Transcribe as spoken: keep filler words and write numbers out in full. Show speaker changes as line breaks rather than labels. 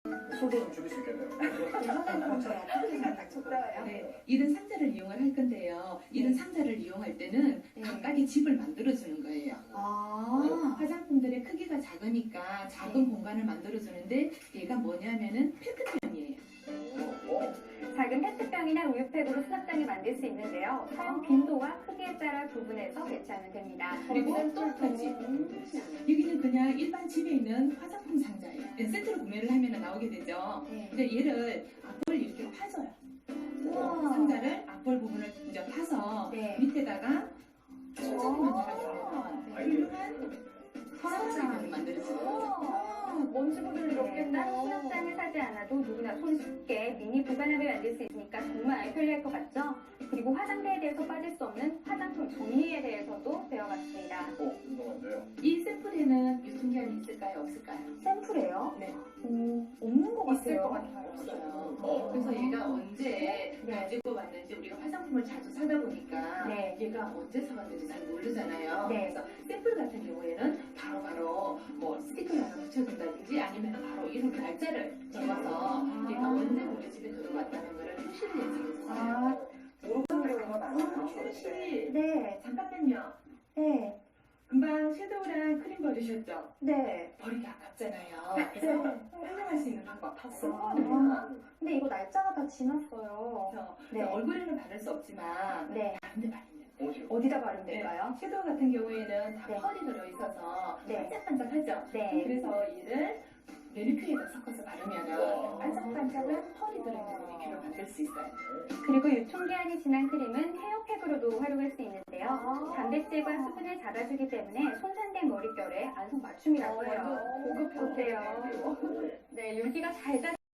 속도 좀 줄일 수 있겠네요.
이번에는 제가 크게 닥쳤어요.
네, 이런 상자를 이용을 할 건데요. 이런
네.
상자를 이용할 때는
네.
각각의 집을 만들어주는 거예요.
아,
화장품들의 크기가 작으니까 작은
네.
공간을 만들어주는데 얘가 뭐냐면은 페트병이에요.
어?
작은 페트병이나 우유팩으로 수납장을 만들 수 있는데요. 사용 빈도와 크기에 따라 구분해서 배치하면 됩니다.
그리고 또 한 가지. 여기는 그냥 일반 집에 있는 화장품 상자예요. 세트로 구매를 하면 나오게 되죠.
네.
근데 얘를 앞을 이렇게 파줘요.
우와.
상자를 앞볼 부분을 이제 파서
네.
밑에다가 천장만
아.
달아주면 훌륭한 서랍장을 만들어줘요.
먼지 보들이 없겠네요. 따로 수납장을 사지 않아도 누구나 손쉽게 미니 보관함을 만들 수 있으니까 정말 편리할 것 같죠? 그리고 화장대에 대해서 빠질 수 없는 화장품 정리에 대해서도 배워봤습니다.
어, 궁금한데요.
이 샘플에는 유통기한이 있을까요? 없을까요?
샘플이에요?
네.
오, 없는 것
있을 것
같아요.
같아요. 없어요.
어.
그래서 얘가 언제
네.
가지고 왔는지 우리가 화장품을 자주 사다 보니까
네.
얘가 언제 사왔는지 잘 모르잖아요.
네.
그래서 샘플 같은 경우에는 바로바로 뭐 스티커를 하나 붙여준다든지 아니면 바로 이름 날짜를 적어서
아.
얘가 언제 우리 집에 들어왔다는 거를 표시를 해주는 거예요.
아,
모르는 건 아니에요.
표시
네,
잠깐만요.
네,
금방 섀도우랑 크림 버리셨죠?
네.
버리기 아깝잖아요. 그래서 활용할 수 있는 방법 다
아,
쓰거든요.
근데 이거 날짜가 다 지났어요.
그래서
네.
얼굴에는 바를 수 없지만
네.
다른데 바르면
어디요?
어디다 바르면 될까요?
섀도우 같은 경우에는 다
네.
펄이 들어있어서
네.
반짝반짝하죠?
네.
그래서 얘를 매니큐어에다 섞어서 바르면 반짝반짝한 펄이 들어있는 매니큐어를 만들 수 있어요.
그리고 유통기한이 지난 크림은 헤어팩으로도 활용할 수 있는데요. 단백질과 수분을 잡아주기 때문에 손상된 머릿결에 안성 맞춤이라고 해요.
고급
어때요? 네, 윤기가 잘